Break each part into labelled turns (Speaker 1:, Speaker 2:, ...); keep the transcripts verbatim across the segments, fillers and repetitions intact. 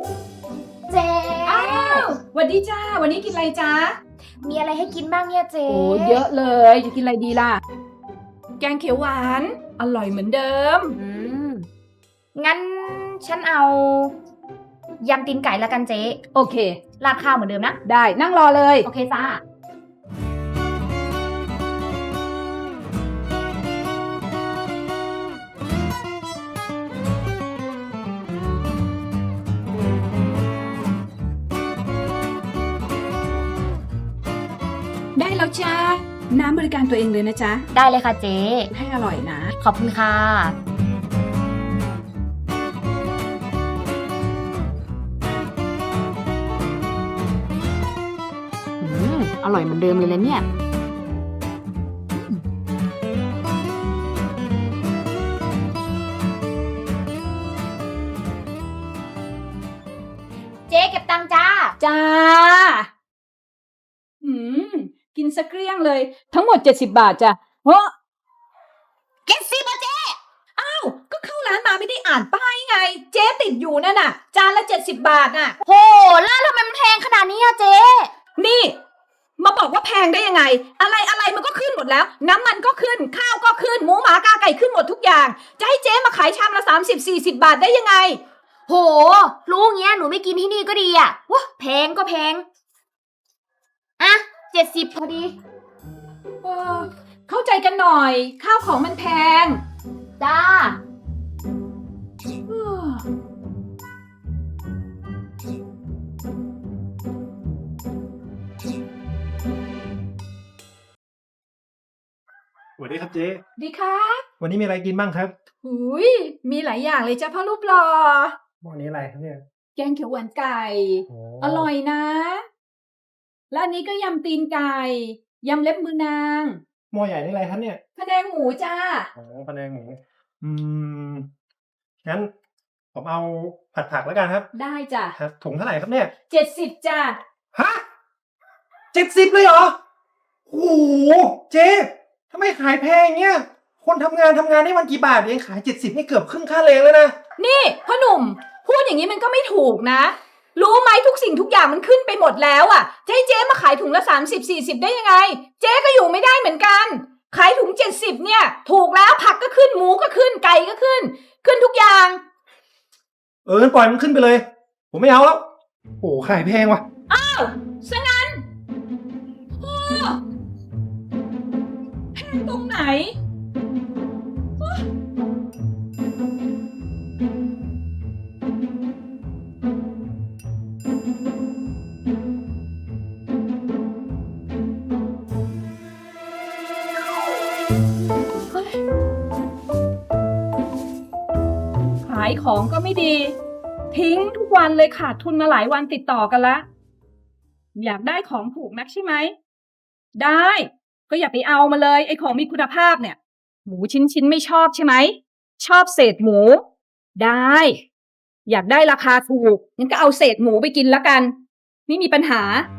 Speaker 1: เจ๊
Speaker 2: อ้าวสวัสดีจ้าวันนี้กินอะไรจ้า
Speaker 1: มีอะไรให้กินบ้างเนี่ยเจ๊
Speaker 2: โอ้เยอะเลยจะกินอะไรดีล่ะแกงเขียวหวานอร่อยเหมือนเดิม
Speaker 1: อืมงั้นฉันเอายำตีนไก่ละกันเจ๊
Speaker 2: โอเค
Speaker 1: ราดข้าวเหมือนเดิมนะ
Speaker 2: ได้นั่งรอเลย
Speaker 1: โอเคจ้า
Speaker 2: ได้แล้วจ้าน้ำบริการตัวเองเลยนะจ๊ะ
Speaker 1: ได้เลยค่ะเจ๊
Speaker 2: ให้อร่อยนะ
Speaker 1: ขอบคุณค่ะอืมอร่อยเหมือนเดิมเลยนะเนี่ยเจ๊เก็บตังค์จ้า
Speaker 2: จ้าอืมกินสักเกลี้ยงเลยทั้งหมดเจ็ดสิบบาทจ้ะเฮ้อ
Speaker 1: เก็บสิบ่เจ๊
Speaker 2: อ้าวก็เข้าร้านมาไม่ได้อ่านป้ายไงเจ๊ติดอยู่นั่นน่ะจานละเจ็ดสิบบาทน่ะ
Speaker 1: โหแล้วทำไมมันแพงขนาดนี้อะเจ๊
Speaker 2: นี่มาบอกว่าแพงได้ยังไงอะไรอะไรมันก็ขึ้นหมดแล้วน้ำมันก็ขึ้นข้าวก็ขึ้นหมูหมากาไก่ขึ้นหมดทุกอย่างจะให้เจ๊มาขายชามละสามสิบสี่สิบบาทได้ยังไง
Speaker 1: โหรู้เงี้ยหนูไม่กินที่นี่ก็ดีอะวะแพงก็แพงอะเจ็ดสิบพอดี
Speaker 2: เออเข้าใจกันหน่อยข้าวของมันแพง
Speaker 1: จ้า
Speaker 2: เออ
Speaker 3: สวัสดีครับเจ๊
Speaker 2: ดีครับ
Speaker 3: วันนี้มีอะไรกินบ้างครับ
Speaker 2: หุยมีหลายอย่างเลยจ้ะพ่อรูปหล่อ
Speaker 3: วันนี้อะไรครับเนี่ย
Speaker 2: แกงเขียวหวานไก่อร่อยนะและอันนี้ก็ยำตีนไก่ยำเล็บมือนาง
Speaker 3: หม้อใหญ่นี่อะไรครับเนี่ย
Speaker 2: พะแนงหมูจ้า
Speaker 3: อ๋อพะแนงหมูอืมงั้นผมเอาผัดผักแล้วกันครับ
Speaker 2: ได้จ้ะ
Speaker 3: ครับถุงเท่าไหร่ครับเนี่ย
Speaker 2: เจ็ดสิบจ้ะ
Speaker 3: ฮะเจ็ดสิบเลยเหรอโอ้โหเจ๊ทำไมขายแพงอย่างเงี้ยคนทำงานทำงานได้วันกี่บาทเองขายเจ็ดสิบนี่เกือบครึ่งค่าแรงแล้วนะ
Speaker 2: นี่พ่อหนุ่มพูดอย่างนี้มันก็ไม่ถูกนะรู้ไหมทุกสิ่งทุกอย่างมันขึ้นไปหมดแล้วอ่ะจะให้เจ๊มาขายถุงละสามสิบสี่สิบได้ยังไงเจ๊ก็อยู่ไม่ได้เหมือนกันขายถุงเจ็ดสิบเนี่ยถูกแล้วผักก็ขึ้นหมูก็ขึ้นไก่ก็ขึ้นขึ้นทุกอย่าง
Speaker 3: เออปล่อยมันขึ้นไปเลยผมไม่เอาแล้วโอ้ขายแพงว่ะ
Speaker 2: อ้าวซะงั้นโอ้แพงตรงไหนขายของก็ไม่ดีทิ้งทุกวันเลยขาดทุนมาหลายวันติดต่อกันละอยากได้ของถูกนักใช่ไหมได้ก็อย่าไปเอามาเลยไอ้ของมีคุณภาพเนี่ยหมูชิ้นชิ้นไม่ชอบใช่ไหมชอบเศษหมูได้อยากได้ราคาถูกงั้นก็เอาเศษหมูไปกินละกันไม่มีปัญหา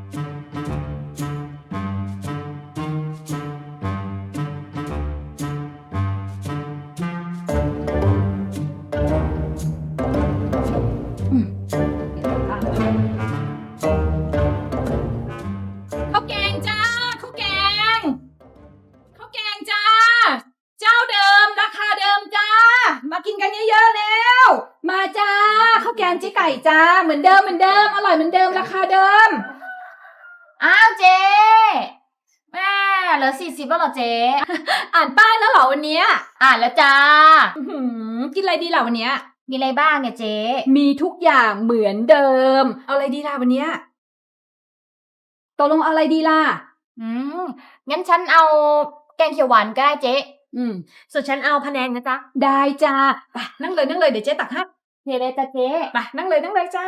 Speaker 2: ข้าวแกงจ้าข้าวแกงข้าวแกงจ้าเจ้าเดิมราคาเดิมจ้ามากินกันเยอะๆแล้วมาจ้าข้าวแกงเจ๊ไก่จ้าเหมือนเดิมเหมือนเดิมอร่อยเหมือนเดิมราคาเดิม
Speaker 1: อ้าวเจ๊แม่เหลือสี่สิบแล้วเหรอเจ๊
Speaker 2: อ่านป้ายแล้วเหรอวันนี้
Speaker 1: อ่านแล้วจ้า
Speaker 2: กินอะไรดีล่ะวันนี้
Speaker 1: มีอะไรบ้างเนี่ยเจ๊
Speaker 2: มีทุกอย่างเหมือนเดิมเอาอะไรดีล่ะวันนี้ตกลงอะไรดีล่ะ
Speaker 1: อืมงั้นฉันเอาแกงเขียวหวานก็ได้เจ๊
Speaker 2: อืม
Speaker 1: ส่วนฉันเอาพะแนงนะจ๊ะ
Speaker 2: ได้จ้าไปนั่งเลยนั่งเลยเดี๋ยวเจ๊ตักให้
Speaker 1: เทเลยจ้ะเจ๊
Speaker 2: ไปนั่งเลยนั่งเลยจ้า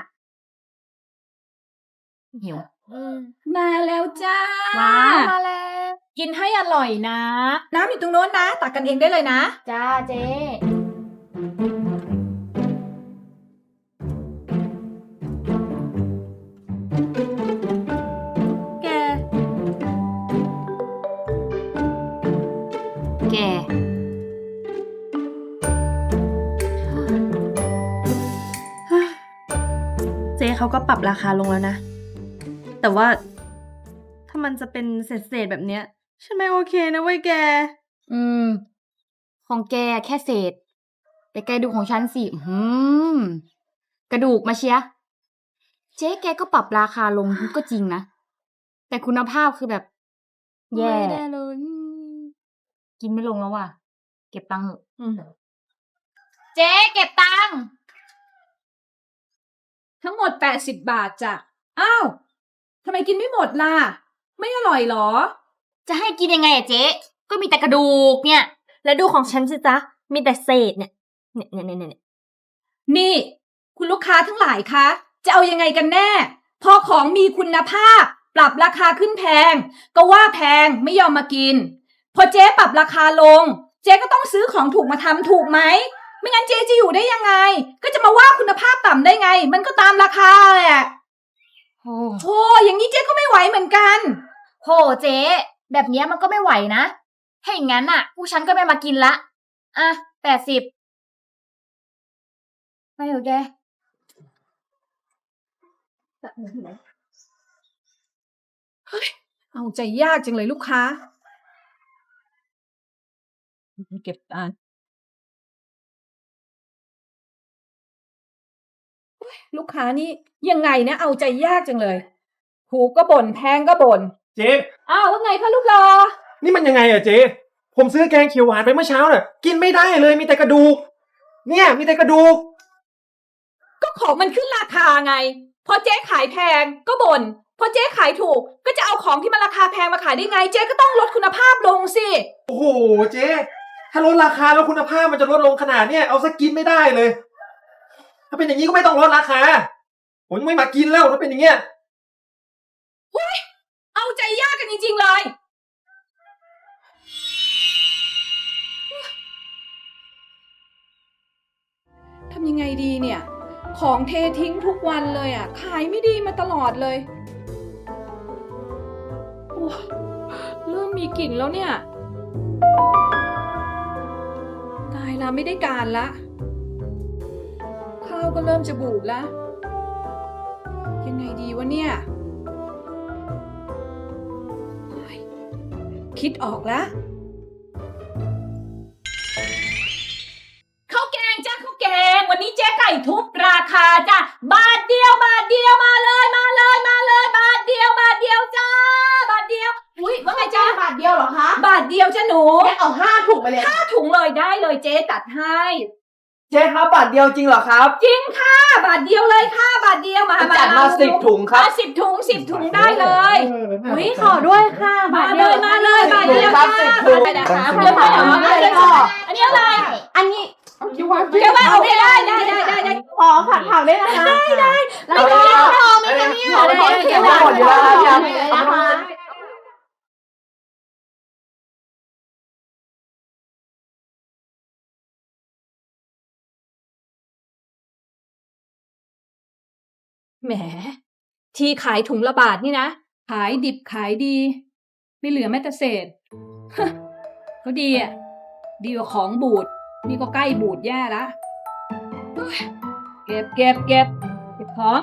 Speaker 1: หิว
Speaker 2: มาแล้วจ้า
Speaker 1: ว้าวมาแล้ว
Speaker 2: กินให้อร่อยนะน้ำอยู่ตรงโน้นนะตักกันเองได้เลยนะ
Speaker 1: จ้าเจ๊
Speaker 2: แก
Speaker 1: แก
Speaker 4: จ๊เขาก็ปรับราคาลงแล้วนะ แต่ว่าถ้ามันจะเป็นเศษๆแบบเนี้ยฉันไม่โอเคนะเว้ยแก
Speaker 1: อืม ของแกแค่เศษ แต่แกดูของฉันสิอื้อหือกระดูกมาเชียร์เจ๊แกก็ปรับราคาลงก็จริงนะ แต่คุณภาพคือแบบ แย่
Speaker 4: ไม่ได้เลย
Speaker 1: กินไม่ลงแล้วว่ะ เก็บตังค์เถอะ
Speaker 4: อืม
Speaker 1: เจ๊เก็บตังค์
Speaker 2: ทั้งหมดแปดสิบบาทจ้ะ อ้าว ทำไมกินไม่หมดล่ะ ไม่อร่อยเหรอ
Speaker 1: จะให้กินยังไงอะเจ๊ก็มีแต่กระดูกเนี่ย
Speaker 4: แล้วดูของฉันสิจ๊ะ มีแต่เศษเนี่ย เนี่ยเนี่ยเนี่ยเนี่ย
Speaker 2: นี่ คุณลูกค้าทั้งหลายคะ จะเอายังไงกันแน่ พอของมีคุณภาพ ปรับราคาขึ้นแพง ก็ว่าแพงไม่ยอมมากิน พอเจ๊ปรับราคาลง เจ๊ก็ต้องซื้อของถูกมาทำถูกไหม ไม่งั้นเจ๊จะอยู่ได้ยังไง ก็จะมาว่าคุณภาพต่ำได้ไง มันก็ตามราคาแหละ
Speaker 1: โอ้
Speaker 2: โอ้อย่างนี้เจ๊ก็ไม่ไหวเหมือนกัน
Speaker 1: โหเจ๊แบบเนี้ยมันก็ไม่ไหวนะถ้าอย่างงั้นอ่ะผู้ฉันก็ไม่มากินละ อ่ะแปดสิบไปเถอะแก
Speaker 2: เอาใจยากจังเลยลูกค้า เก็บตังค์ลูกค้านี่ยังไงนะเอาใจยากจังเลยถูกก็บ่นแพงก็บ่น
Speaker 3: เจ๊
Speaker 2: อ้าวว่าไงคะลูกรอ
Speaker 3: นี่มันยังไงอะเจ๊ผมซื้อแกงเขียวหวานไปเมื่อเช้าน่ะ กินไม่ได้เลยมีแต่กระดูก เนี่ยมีแต่กระดูก
Speaker 2: ก็ของมันขึ้นราคาไง พอเจ๊ขายแพงก็บ่น พอเจ๊ขายถูกก็จะเอาของที่มันราคาแพงมาขายได้ไง เจ๊ก็ต้องลดคุณภาพลงสิ
Speaker 3: โอ้โหเจ๊ถ้าลดราคาแล้วคุณภาพมันจะลดลงขนาดเนี้ยเอาสักกินไม่ได้เลย ถ้าเป็นอย่างนี้ก็ไม่ต้องลดราคา ผมไม่มากินแล้วถ้าเป็นอย่างเงี้ย
Speaker 2: เอาใจยากกันจริงๆเลย ทำยังไงดีเนี่ย ของเททิ้งทุกวันเลยอ่ะ ขายไม่ดีมาตลอดเลยโอ้ยเริ่มมีกลิ่นแล้วเนี่ย ตายละไม่ได้การละ ข้าวก็เริ่มจะบูดละยังไงดีวะเนี่ยเฮ้ยคิดออกแล้ว ข้าวแกงจ้าข้าวแกง วันนี้เจ๊ไก่ทุบราคาจ้ะบาทเดียวบาทเดียวมาเลยมาเลยมาเลยบาทเดียวบาทเดียวจ้าบาทเดียวอุ้ยว่าไงจ้า
Speaker 5: บาทเดียวเหรอคะ
Speaker 2: บาทเดียวจ้าหนู
Speaker 5: แกเอาห้าถุงไปเลย
Speaker 2: ห้าถุงเลยได้เลยเจ๊ตัดให้
Speaker 5: เจ๊ครับบาทเดียวจริงเหรอครับ
Speaker 2: จริงค่ะบาทเดียวเลยค่ะบาทเดียวมา
Speaker 5: จัดมาสิบถุงครับ
Speaker 2: มาสิบถุงสิบถุงได้เลย
Speaker 4: อุ๊ยขอด้วยค่ะ
Speaker 2: มาเลยมาเลยบาทเดียว
Speaker 5: ครับ
Speaker 2: ค่ะ
Speaker 5: สิบถุง
Speaker 2: ไปนะคะ
Speaker 5: สิบถุง
Speaker 2: เพื่อนๆเอามาเลยค่ะอันนี้อะไร
Speaker 5: อันนี้
Speaker 2: เดี๋ยวมาเอาได้ได้ได้ได้ได้ได้
Speaker 5: อ๋อผัดผักได้นะคะได้ได้แล้วก็พอไม่จะมีหมดเลยเขียวหมดอยู่แล้วครับนะคะ
Speaker 2: แหม ที่ขายถุงละบาทนี่นะ ขายดิบขายดี ไม่เหลือแม้แต่เศษ ฮะก็ดีอ่ะ ดีกว่าของบูด นี่ก็ใกล้บูดแย่ละโอ๊ยเก็บเก็บเก็บเก็บของ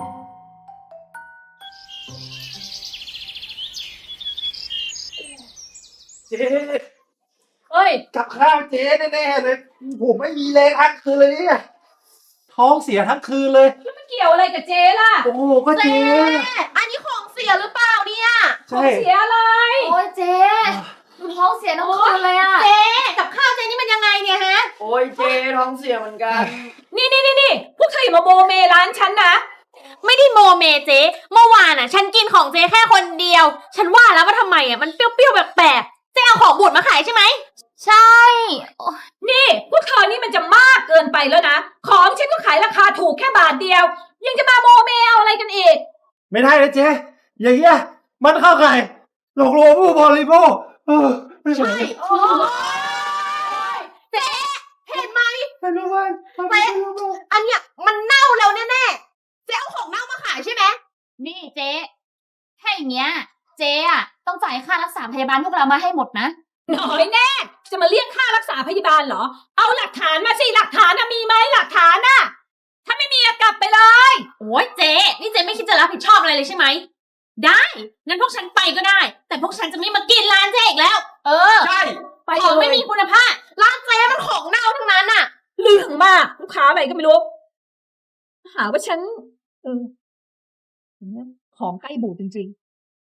Speaker 3: เจ๊
Speaker 2: เอ้ย
Speaker 3: กับข้าวเจ๊แน่ๆเลย ผมไม่มีแรงทั้งคืนเลยเนี่ยท้องเสียทั้งคืนเลย
Speaker 2: มันเกี่ยวอะไรกับเจ๊ล่ะ
Speaker 3: โอ้โหก็เจ๊
Speaker 5: อันนี้ของเสียหรือเปล่าเนี่ย
Speaker 3: ใช่
Speaker 2: เสียอะไร
Speaker 1: โอ้ยเจ๊หนูท้องเสียทั้งคืนเลยอ่ะ
Speaker 5: เจ๊กับข้าวเจ๊นี่มันยังไงเนี่ยฮะ
Speaker 6: โอ้ยเจท้องเสียเหมือนกัน
Speaker 2: นี่นี่นี่นี่พวกเธออย่ามาโมเมร้านฉันนะ
Speaker 4: ไม่ได้โมเมเจ๊เมื่อวานอ่ะ ฉันกินของเจ๊แค่คนเดียว ฉันว่าแล้วว่าทำไมอ่ะมันเปรี้ยวๆแปลกๆเจ๊เอาของบูดมาขายใช่ไหม
Speaker 1: ใช่
Speaker 2: นี่พวกเธอนี่มันจะมากเกินไปแล้วนะ ของฉันก็ขายราคาถูกแค่บาทเดียว ยังจะมาโมเมเอาอะไรกันอีก
Speaker 3: ไม่ได้นะเจ๊อย่างเงี้ยมันเข้าข่ายหลอกลวงผู้บริโภคเออไม่ใช่
Speaker 5: โอ้ยเจ๊เห็นไหม
Speaker 3: ไม่รู้ว่าไม่รู้ว่า
Speaker 5: อันเนี้ยมันเน่าแล้วแน่ๆเจ๊เอาของเน่ามาขายใช่ไหม
Speaker 1: นี่เจ๊ถ้าอย่างเงี้ย เจ๊อะต้องจ่ายค่ารักษาพยาบาลพวกเรามาให้หมดนะ
Speaker 2: น้อยแน่ จะมาเรียกค่ารักษาพยาบาลเหรอ เอาหลักฐานมาสิหลักฐานนะมีไหมหลักฐานน่ะ ถ้าไม่มีอะกลับไปเลย
Speaker 1: เอ
Speaker 4: โอ้ยเจ๊นี่เจ๊ไม่คิดจะรับผิดชอบอะไรเลยใช่ไหม ได้งั้นพวกฉันไปก็ได้ แต่พวกฉันจะไม่มากินร้านเจ๊อีกแล้ว
Speaker 2: เออ
Speaker 3: ใช่
Speaker 2: ไป
Speaker 4: ของ
Speaker 2: เล
Speaker 4: ไม่
Speaker 2: ย
Speaker 4: มีคุณภาพร้านเจ๊มันของเน่าทั้งนั้นน่ะ
Speaker 2: เรื่องมากลูกค้าอะไรก็ไม่รู้ หาว่าฉันเออของใกล้บูดจริง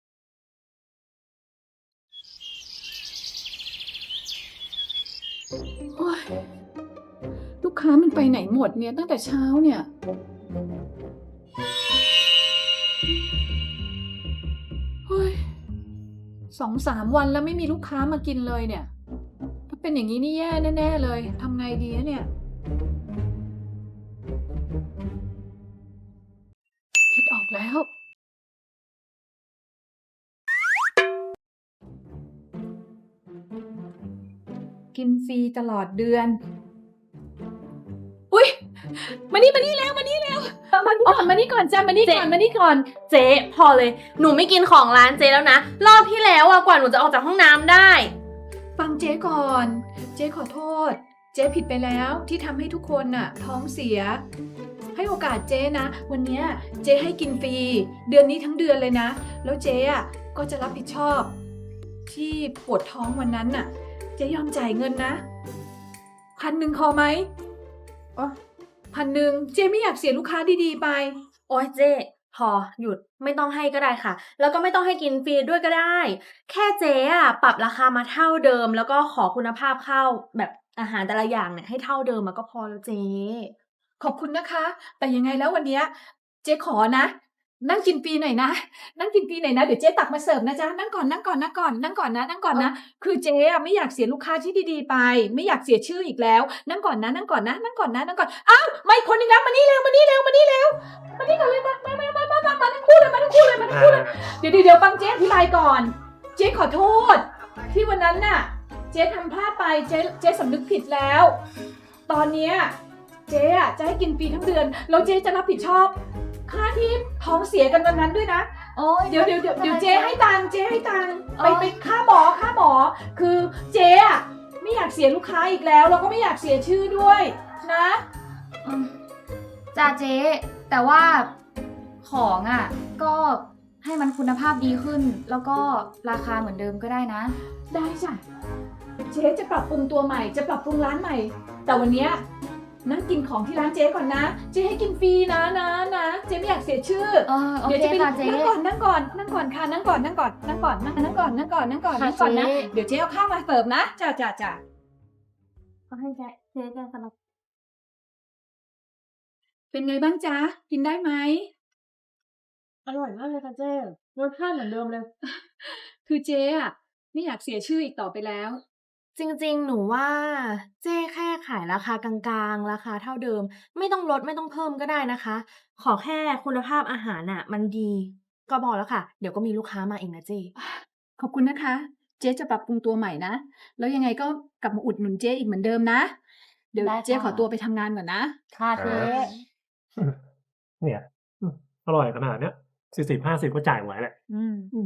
Speaker 2: ๆโอ้ยลูกค้ามันไปไหนหมดเนี่ยตั้งแต่เช้าเนี่ย เฮ้ยสองสามวันแล้วไม่มีลูกค้ามากินเลยเนี่ย ถ้าเป็นอย่างนี้นี่แย่แน่ๆเลยทำไงดีนะเนี่ย คิดออกแล้ว กินฟรีตลอดเดือน อุ๊ย มานี่มานี่แล้วมานี่แล้วมานี่ก่อนมานี่ก่อนจ้ามานี่ก่อนมานี่ก่อน
Speaker 4: เจ๊พอเลย หนูไม่กินของร้านเจ๊แล้วนะ รอบที่แล้วอะกว่าหนูจะออกจากห้องน้ำได้
Speaker 2: ฟังเจ๊ก่อน เจ๊ขอโทษ เจ๊ผิดไปแล้วที่ทำให้ทุกคนน่ะ ท้องเสีย ให้โอกาสเจ๊นะ วันเนี้ยเจ๊ให้กินฟรี เดือนนี้ทั้งเดือนเลยนะ แล้วเจ๊อ่ะก็จะรับผิดชอบ ที่ปวดท้องวันนั้นน่ะ เจ๊ยอมจ่ายเงินนะพันหนึ่งพอไหมอ๋อพันหนึ่งเจ๊ไม่อยากเสียลูกค้าดีๆไป
Speaker 4: โอ๊ยเจ๊พอหยุดไม่ต้องให้ก็ได้ค่ะ แล้วก็ไม่ต้องให้กินฟรีด้วยก็ได้ แค่เจ๊อะปรับราคามาเท่าเดิม แล้วก็ขอคุณภาพข้าวแบบอาหารแต่ละอย่างเนี่ยให้เท่าเดิมมาก็พอแล้วเจ๊
Speaker 2: ขอบคุณนะคะ แต่ยังไงแล้ววันเนี้ยเจ๊ขอนะ นั่งกินฟรีหน่อยนะ นั่งกินฟรีหน่อยนะ เดี๋ยวเจ๊ตักมาเสิร์ฟนะจ๊ะ นั่งก่อน นั่งก่อน นั่งก่อน นั่งก่อนนะ นั่งก่อนนะ คือเจ๊อะไม่อยากเสียลูกค้าที่ดีๆไป ไม่อยากเสียชื่ออีกแล้ว นั่งก่อนนะ นั่งก่อนนะ นั่งก่อนนะ นั่งก่อน อ้าวมาอีกคนนึงแล้วมานี่เร็ว มานี่เร็ว มานี่เร็ว มานี่ก่อนเลยมามามามามามามาทั้งคู่เลย มาทั้งคู่เลย มาทั้งคู่เลย เดี๋ยวเดี๋ยวเดี๋ยวฟังเจ๊อธิบายก่อน เจ๊ขอโทษ ที่วันนั้นน่ะ เจ๊ทำพลาดไป เจ๊เจ๊สำนึกผิดแล้ว ตอนเนี้ยเจ๊อะจะให้กินฟรีทั้งเดือน แล้วเจ๊จะรับผิดชอบ ค่าที่ท้องเสียกันวันนั้นด้วยนะ
Speaker 1: โอ้ย
Speaker 2: เดี๋ยวเดี๋ยวเดี๋ยวเดี๋ยวเจ๊ให้ตังค์เจ๊ให้ตังค์ไป
Speaker 1: อ๋อ
Speaker 2: ไปค่าหมอค่าหมอ คือเจ๊อะไม่อยากเสียลูกค้าอีกแล้ว แล้วก็ไม่อยากเสียชื่อด้วยนะ
Speaker 1: อืมจ้าเจ๊แต่ว่าของอ่ะ ก็ให้มันคุณภาพดีขึ้น แล้วก็ราคาเหมือนเดิมก็ได้นะ
Speaker 2: ได้จ้ะเจ๊จะปรับปรุงตัวใหม่ จะปรับปรุงร้านใหม่ แต่วันเนี้ยนั่งกินของที่ร้านเจ๊ก่อนนะ เจ๊ให้กินฟรีนะนะนะเจ๊ไม่อยากเสียชื่อ
Speaker 1: เออโอ
Speaker 2: เดี๋ยว
Speaker 1: เค
Speaker 2: จะไป
Speaker 1: ค่ะเจ๊
Speaker 2: นั่งก่อนนั่งก่อนนั่งก่อนค่ะนั่งก่อนนั่งก่อนนั่งก่อนนั่งนั่งก่อนนั่งก่อนนั่งก่อน
Speaker 1: ค่ะ
Speaker 2: นั่งก่อนนะ
Speaker 1: เจ๊
Speaker 2: เดี๋ยวเจ๊เอาข้าวมาเสิร์ฟนะจ้าจ้าจ้า
Speaker 4: ก็ให้เจ๊เจ๊จะสำหรับ
Speaker 2: เป็นไงบ้างจ๊ะกินได้ไหม
Speaker 4: อร่อยมากเลยค่ะเจ๊รสชาติเหมือนเดิมเลย
Speaker 2: คือเจ๊อะไม่อยากเสียชื่ออีกต่อไปแล้ว
Speaker 4: จริงๆ หนูว่าเจ๊แค่ขายราคากลางๆ ราคาเท่าเดิม ไม่ต้องลดไม่ต้องเพิ่มก็ได้นะคะ ขอแค่คุณภาพอาหารน่ะ มันดี ก็พอแล้วค่ะ เดี๋ยวก็มีลูกค้ามาเองนะเจ๊
Speaker 2: ขอบคุณนะคะ เจ๊จะปรับปรุงตัวใหม่นะ แล้วยังไงก็กลับมาอุดหนุนเจ๊อีกเหมือนเดิมนะ เดี๋ยว
Speaker 1: ได้
Speaker 2: เจ๊
Speaker 1: ค่ะ
Speaker 2: ขอตัวไปทำงานก่อนนะ
Speaker 1: ค่ะเจ๊
Speaker 7: เนี่ยอืมอร่อยขนาดเนี้ยสี่สิบห้าสิบก็จ่ายไหวแหละ
Speaker 2: อืม
Speaker 7: อืม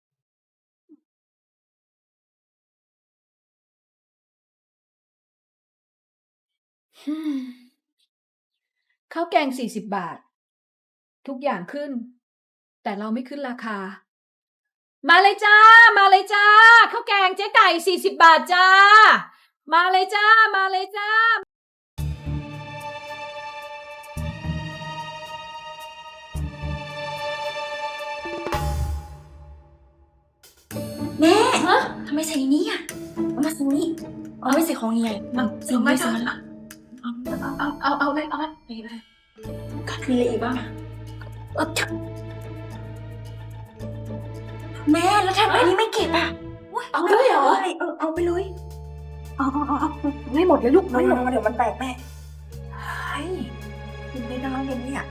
Speaker 2: ข้าวแกงสี่สิบบาท ทุกอย่างขึ้น แต่เราไม่ขึ้นราคา มาเลยจ้า มาเลยจ้าข้าวแกงเจ๊ไก่สี่สิบบาทจ้า มาเลยจ้า มาเลยจ้า
Speaker 5: แม่ทำไมใส่นี้อ่ะเอามาใส่นี้เอาไม่ใส่ของใหญ่มาใส่ไม่ใส่มันละเอาเอาเอาเอาเลยเอาเลยไปเลยกัดมีอะไรอีกบ้างอะเออแม่แล้วทำไมอันนี้ไม่เก็บอ่ะเอาไปเลยเหรอเออเอาไปเลยเอาเอาเอาเอาไม่หมดเลยลูกไม่หมดเดี๋ยวมันแตกแม่เฮ้ยกินได้น้อยเลยเนี่ย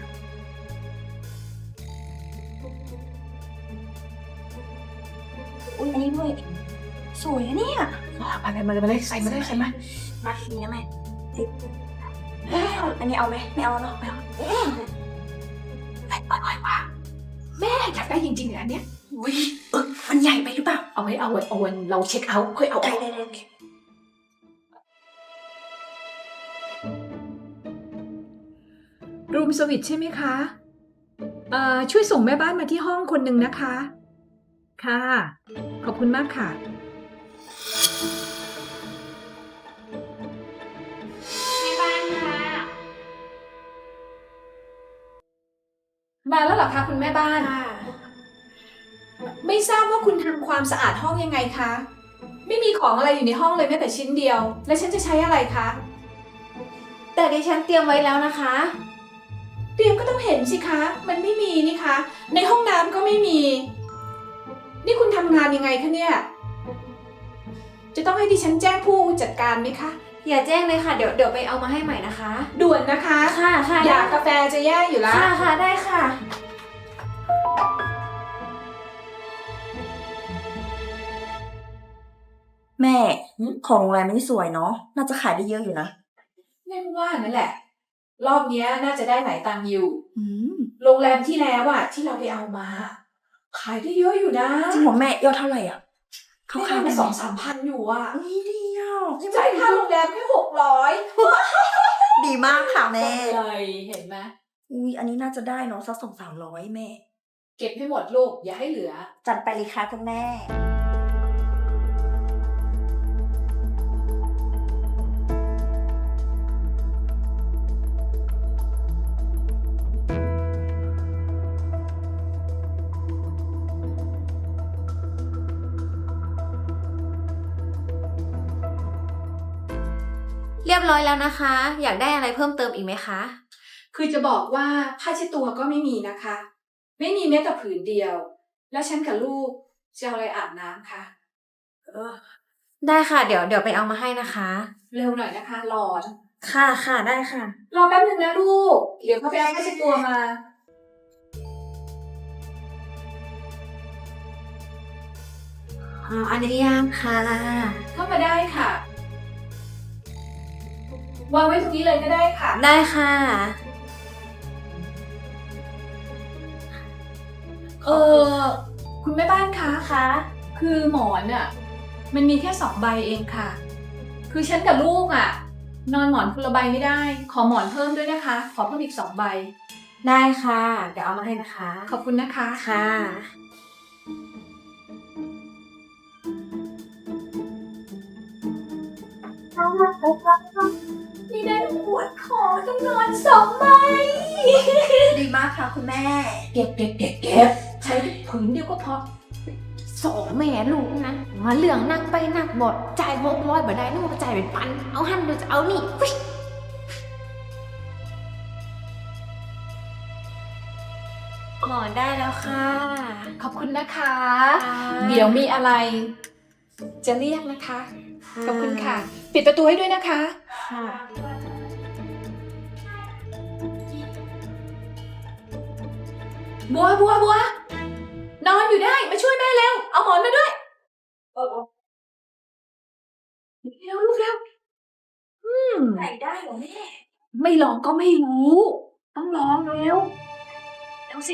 Speaker 5: อุ้ยอันนี้ด้วยสวยอะเนี่ยไปไปมาเลยมาเลยใส่มาเลยใส่มามาทีนี้แม่ติ๊กอันนี้เอาไหมไม่เอาเนาะไม่เอาไปไปไปไปแม่อยากได้จริงๆเหรออันเนี้ยอุ้ยเออมันใหญ่ไปหรือเปล่าเอาไว้เอาไว้เอาวันเราเช็คเอาท์ค่อยเอาได้ได้ได้รูมสวิตใช่ไหมคะ
Speaker 2: เอ่อช่วยส่งแม่บ้านมาที่ห้องคนหนึ่งนะคะ ค่ะ ขอบคุณมากค่ะ
Speaker 5: แม่บ้านค่ะ
Speaker 2: มาแล้วเหรอคะคุณแม่บ้าน
Speaker 5: ค่ะ
Speaker 2: ไม่ทราบว่าคุณทำความสะอาดห้องยังไงคะ ไม่มีของอะไรอยู่ในห้องเลยแม้แต่ชิ้นเดียว และฉันจะใช้อะไรคะ
Speaker 5: แต่ดิฉันเตรียมไว้แล้วนะคะ
Speaker 2: เตรียมก็ต้องเห็นสิคะ มันไม่มีนี่คะ ในห้องน้ำก็ไม่มี นี่คุณทำงานยังไงคะเนี่ย จะต้องให้ดิฉันแจ้งผู้จัดการไหมคะ
Speaker 5: อย่าแจ้งเลยค่ะ เดี๋ยวเดี๋ยวไปเอามาให้ใหม่นะคะ
Speaker 2: ด่วนนะคะ
Speaker 5: ค่ะค่ะ
Speaker 2: อยากกาแฟจะแย่อยู่แล้ว
Speaker 5: ค่ะค่ะได้ค่ะ
Speaker 6: แม่ของโรงแรมนี่สวยเนาะ น่าจะขายได้เยอะอยู่นะ
Speaker 2: แน่ว่านั่นแหละ รอบเนี้ยน่าจะได้หลายตังค์อยู่
Speaker 6: อืม
Speaker 2: โรงแรมที่แล้วอะที่เราไปเอามา ขายได้เยอะอยู่นะ
Speaker 6: จริงเหรอแม่ยอดเท่าไหร่อ่ะ
Speaker 2: เขา
Speaker 6: เขา
Speaker 2: ขาย
Speaker 6: ขาย
Speaker 2: มา
Speaker 6: ได้
Speaker 2: สองสามพันอยู่อะ
Speaker 6: นี่ดีอ่ะ
Speaker 2: จ่ายค่าโรงแรมแค่หกร้อย
Speaker 6: ดีมากค่ะแม่
Speaker 2: เลยเห็นไหม
Speaker 6: อุ้ยอันนี้น่าจะได้เนาะสักสองสามร้อยแม่
Speaker 2: เก็บให้หมดลูก อย่าให้เหลือ
Speaker 6: จัดไปเลยค่ะคุณแม่
Speaker 5: เรียบร้อยแล้วนะคะ อยากได้อะไรเพิ่มเติมอีกไหมคะ
Speaker 2: คือจะบอกว่าผ้าเช็ดตัวก็ไม่มีนะคะ ไม่มีแม้แต่ผืนเดียว แล้วฉันกับลูกจะเอาอะไรอาบน้ำคะเออ
Speaker 5: ได้ค่ะ เดี๋ยวเดี๋ยวไปเอามาให้นะคะ
Speaker 2: เร็วหน่อยนะคะ ร้อน
Speaker 5: ค่ะค่ะได้ค่ะ
Speaker 2: รอแป๊บนึงนะลูก เดี๋ยวเขาไปเอาผ้าเช็ดตัวมา
Speaker 5: อ๋ออนุญาตค่ะ
Speaker 2: เข้ามาได้ค่ะ วางไว้ตรงนี้เลยก็ได้ค่ะ
Speaker 5: ได้ค่ะ
Speaker 2: เออคุณแม่บ้านคะ
Speaker 5: ค่ะ
Speaker 2: คือหมอนอ่ะ มันมีแค่สองใบเองค่ะ คือฉันกับลูกอ่ะ นอนหมอนคนละใบไม่ได้ ขอหมอนเพิ่มด้วยนะคะ ขอเพิ่มอีกสองใบ
Speaker 5: ได้ค่ะ เดี๋ยวเอามาให้นะคะ
Speaker 2: ขอบคุณนะคะ
Speaker 5: ค่ะ
Speaker 2: นี่ได้ปวดคอต้องนอนสองใบ
Speaker 6: ดีมากค่ะคุณแม่
Speaker 2: เก็บเก็บเก็บเก็บใช้ผืนเดียวก็พอ
Speaker 1: สองแม่ลูกนะมาเหลืองนักไปนักบดจ่ายหกร้อยบ่ได้นึกว่าจ่ายเป็นพัน เอาหันเดี๋ยวจะเอานี่ฟิช
Speaker 5: หมอนได้แล้วค่ะ
Speaker 2: ขอบคุณนะคะ
Speaker 5: ค่ะ
Speaker 2: เดี๋ยวมีอะไร จะเรียกนะคะ ขอบคุณค่ะ ปิดประตูให้ด้วยนะคะ
Speaker 5: ค่ะ
Speaker 2: บัวบัวบัว นอนอยู่ได้ มาช่วยแม่เร็ว เอาหมอนมาด้วยเออเร็วลูกเร็ว อืม
Speaker 6: ไหนได้เหรอแม่
Speaker 2: ไม่ลองก็ไม่รู้ ต้องลองเร็ว เร็วสิ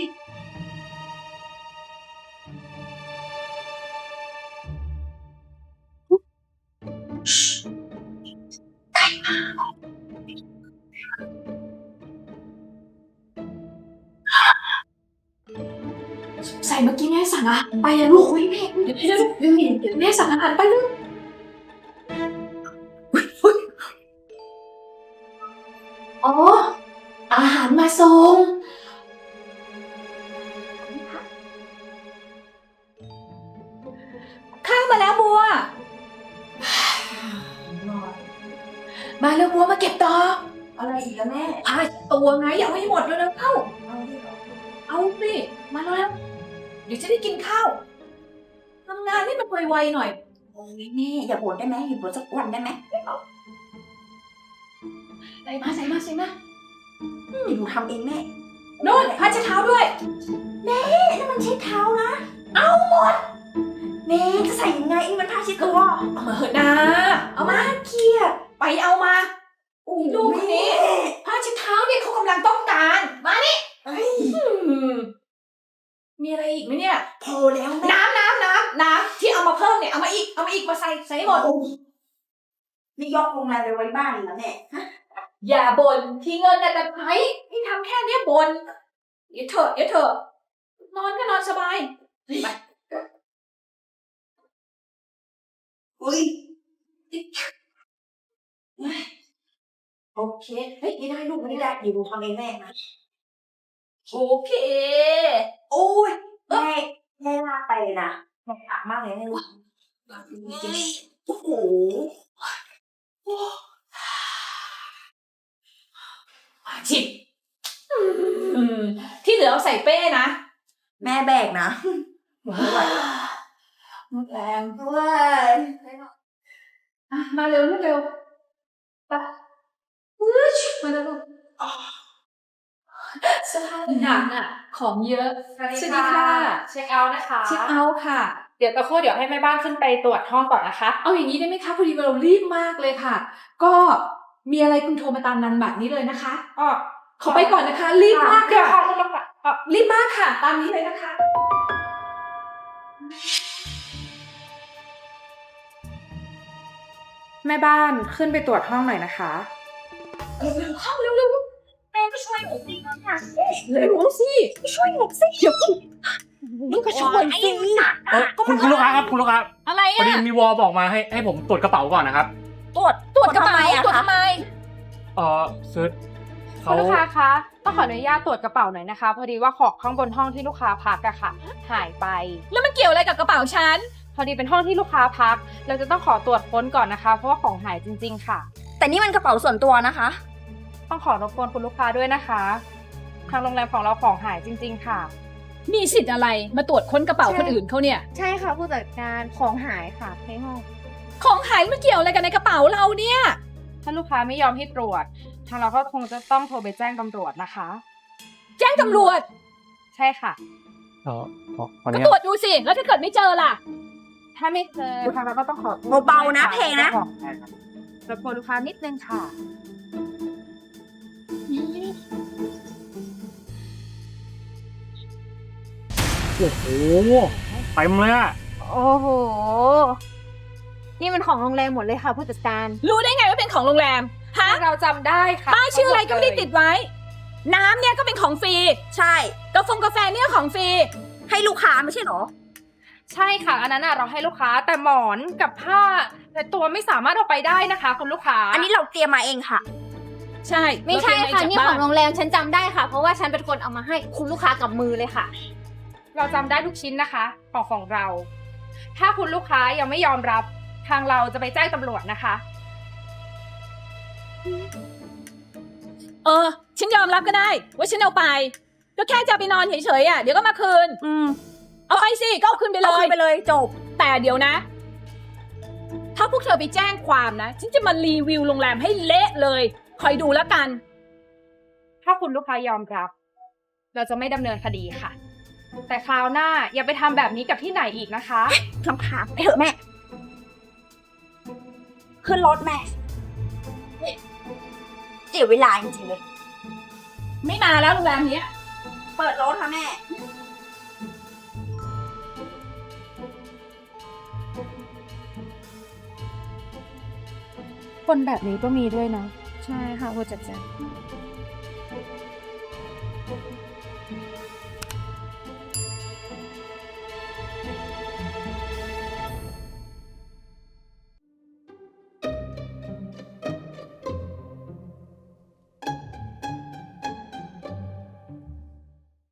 Speaker 2: ใส่เมื่อกี้แม่สั่งอะไปอะลูกอุ้ยแม่เดี๋ยวแม่เดี๋ยวเดี๋ยวแม่สั่งอาหารไปลูกอุ๊ยอุ๊ยอ๋อ อาหารมาส่ง ข้าวมาแล้วบัว มาเร็วบัวมาเก็บต่อ
Speaker 6: อะไรอีกแล้วแม่
Speaker 2: ผ้าตัวไงเอาให้หมดเลยแล้วเข้า
Speaker 6: เอาดิเหรอ
Speaker 2: เอาสิมาแล้วเดี๋ยวจะได้กินข้าวทำงานให้มันไวๆหน่อย
Speaker 6: โอ้ยแม่อย่าบ่นได้ไหมอย่าบ่นสักวันได้ไหม
Speaker 2: ใส่มาใส่มาใส่มา
Speaker 6: เดี๋ยวหนูทำเองแม่
Speaker 2: โน่นผ้าเช็ดเท้าด้วย
Speaker 6: นั่นมันเช็ดเท้านะ เอาหมดแม่จะใส่ยังไงเองมันผ้าเช็ดตัว
Speaker 2: เอามาเหอะนะ เอามา
Speaker 6: เครียด
Speaker 2: ไปเอามาอุ้ยลูกคนนี้
Speaker 6: แม่
Speaker 2: ผ้าเช็ดเท้าเนี่ยเขากำลังต้องการ มานี่
Speaker 6: เอ้ย
Speaker 2: อืมมีอะไรอีกไหมเนี่ย
Speaker 6: พอแล้วแม่
Speaker 2: น้ำน้ำน้ำน้ำที่เอามาเพิ่มเนี่ยเอามาอีกเอามาอีกมาใส่ใส่ให้หมด
Speaker 6: โอ้ยนี่ยกโรงแรมไปไว้บ้านอีกแล้วแม่ฮะ
Speaker 2: อย่าบ่นที่เงินน่ะแต่ใช้ให้ทำแค่เนี้ยบ่นอย่าเถอะอย่าเถอะนอนก็นอนสบายไป
Speaker 6: อุ้ยโอเคเฮ้ยไม่ได้ลูกไม่ได้อยู่ทำเองแม่นะ
Speaker 2: โอเค
Speaker 6: โอ้ยแม่แม่ลากไปเลยนะแม่อักมากเลยแม่ลูกโอ้โห
Speaker 2: จิบอืมที่เหลือเอาใส่เป้นะ
Speaker 6: แม่แบกนะไม่ไหว
Speaker 2: หมดแรง
Speaker 6: เว้ย
Speaker 2: อ่ะมาเร็วเร็วไปมาเร็วลูกหนักอ่ะ ของเยอะ
Speaker 8: สวัสดีค่ะ เช็คเอาท์นะคะ
Speaker 2: เช็คเอาท์ค่ะ
Speaker 8: เดี๋ยวตะครู่เดี๋ยวให้แม่บ้านขึ้นไปตรวจห้องก่อนนะคะ
Speaker 2: เอาอย่างนี้ได้ไหมคะพอดีเรารีบมากเลยค่ะ ก็มีอะไรคุณโทรมาตามนันบัตรนี้เลยนะคะ
Speaker 8: อ๋อ
Speaker 2: ขอไปก่อนนะคะ รีบมาก
Speaker 8: เดี๋ยว
Speaker 2: ค่ะ
Speaker 8: ค่ะคุณลุงค่ะอ๋อ
Speaker 2: รีบมากค่ะ ตามนี้เลยนะคะ
Speaker 8: แม่บ้านขึ้นไปตรวจห้องหน่อยนะคะ
Speaker 2: เข้าเร็วเร็ว
Speaker 6: แม่ก็ช่วยหนูสิค่ะ
Speaker 2: เร็วสิช่วยหนูสิเดี๋ยวมึงก็ช่วยสิ
Speaker 9: เออคุณคุณลูกค้าครับคุณลูกค้า
Speaker 2: อะไร
Speaker 9: พอ
Speaker 2: อ่ะ
Speaker 9: ดีมีวอลบอกมาให้ให้ผมตรวจกระเป๋าก่อนนะครับ
Speaker 6: ตรวจ
Speaker 2: ตรวจกระเป๋า
Speaker 6: ทำไมอะ
Speaker 2: ตรวจ
Speaker 6: คะ
Speaker 2: ทำไม
Speaker 9: เออซื้อ
Speaker 8: คุ
Speaker 9: เขา
Speaker 8: ณลูกค้าคะต้องขออนุญาตตรวจกระเป๋าหน่อยนะคะ พอดีว่าของข้างบนห้องที่ลูกค้าพักอะค่ะ หายไป
Speaker 2: แล้วมันเกี่ยวอะไรกับกระเป๋าฉัน
Speaker 8: พอดีเป็นห้องที่ลูกค้าพัก เราจะต้องขอตรวจค้นก่อนนะคะ เพราะว่าของหายจริง ๆ ค่ะ
Speaker 6: แต่นี่มันกระเป๋าส่วนตัวนะคะ
Speaker 8: ต้องขอรบกวนคุณลูกค้าด้วยนะคะ ทางโรงแรมของเราของหายจริง ๆ ค่ะ
Speaker 2: มีสิทธิ์อะไรมาตรวจค้นกระเป๋าคนอื่นเขาเนี่ย
Speaker 8: ใช่ค่ะผู้จัดการของหายค่ะในห้อง
Speaker 2: ของหายมันเกี่ยวอะไรกันในกระเป๋าเราเนี่ย
Speaker 8: ถ้าลูกค้าไม่ยอมให้ตรวจ ทางเราก็คงจะต้องโทรไปแจ้งตำรวจนะคะ
Speaker 2: แจ้งตำรวจ
Speaker 8: ใช่ค่ะ
Speaker 9: เออขอขออ
Speaker 2: ก็
Speaker 9: นุ
Speaker 2: ตรว
Speaker 9: ญา
Speaker 2: จ
Speaker 9: ต
Speaker 2: ดูสิ แล้วถ้าเกิดไม่เจอล่ะ
Speaker 8: ถ้าไม่เจอทางเราก็ต้องขอโทษ
Speaker 6: เบาๆนะเพลงนะ
Speaker 8: รบกวนลูกค้านิดนึงค่ะ
Speaker 9: โอ้โหเต็มเลยอะ
Speaker 8: โอ้โห นี่มันของโรงแรมหมดเลยค่ะผู้จัดการ
Speaker 2: รู้ได้ไงว่าเป็นของโรงแรม ฮะ
Speaker 8: เราจำได้ค่ะ
Speaker 2: ป้ายชื่ออะไรก็ไม่ได้ติดไว้ น้ำเนี่ยก็เป็นของฟรี
Speaker 6: ใช่
Speaker 2: กาแฟกาแฟเนี่ยของฟรี
Speaker 6: ให้ลูกค้าไม่ใช่เหรอ
Speaker 8: ใช่ค่ะ อันนั้นน่ะเราให้ลูกค้าแต่หมอนกับผ้า แต่ตัวไม่สามารถเอาไปได้นะคะคุณลูกค้า
Speaker 6: อันนี้เราเตรียมมาเองค่ะ
Speaker 2: ใช่
Speaker 1: ไม่ใช่
Speaker 2: เราเตรีย
Speaker 1: ค่ะ
Speaker 2: มา
Speaker 1: นี่
Speaker 2: จาก
Speaker 1: ข
Speaker 2: บ้า
Speaker 1: องโรงแรมฉันจำได้ค่ะ เพราะว่าฉันเป็นคนเอามาให้คุณลูกค้ากับมือเลยค่ะ
Speaker 8: เราจำได้ทุกชิ้นนะคะของของเรา ถ้าคุณลูกค้ายังไม่ยอมรับ ทางเราจะไปแจ้งตำรวจนะคะ
Speaker 2: เออ ฉันยอมรับก็ได้ ว่าฉันเอาไป ก็แค่จะไปนอนเฉยๆอ่ะ เดี๋ยวก็มาคืน
Speaker 6: อืม
Speaker 2: เอาไปสิ ก็เอาคืนไปเล
Speaker 6: เอาคื
Speaker 2: ย
Speaker 6: นไปเลยจบ
Speaker 2: แต่เดี๋ยวนะ ถ้าพวกเธอไปแจ้งความนะ ฉันจะมารีวิวโรงแรมให้เละเลย คอยดูแล้วกัน
Speaker 8: ถ้าคุณลูกค้ายอมรับ เราจะไม่ดำเนินคดีค่ะ แต่คราวหน้าอย่าไปทำแบบนี้กับที่ไหนอีกนะคะ
Speaker 6: ลำคาญไปเถอะแม่ ขึ้นรถแม่เสียเวลาจริงๆเลย
Speaker 2: ไม่มาแล้วโรงแรมเนี้ย
Speaker 6: เปิดรถค่ะแม่
Speaker 8: คนแบบนี้ก็มีด้วยเนาะใช่ค่ะผู้จัดการ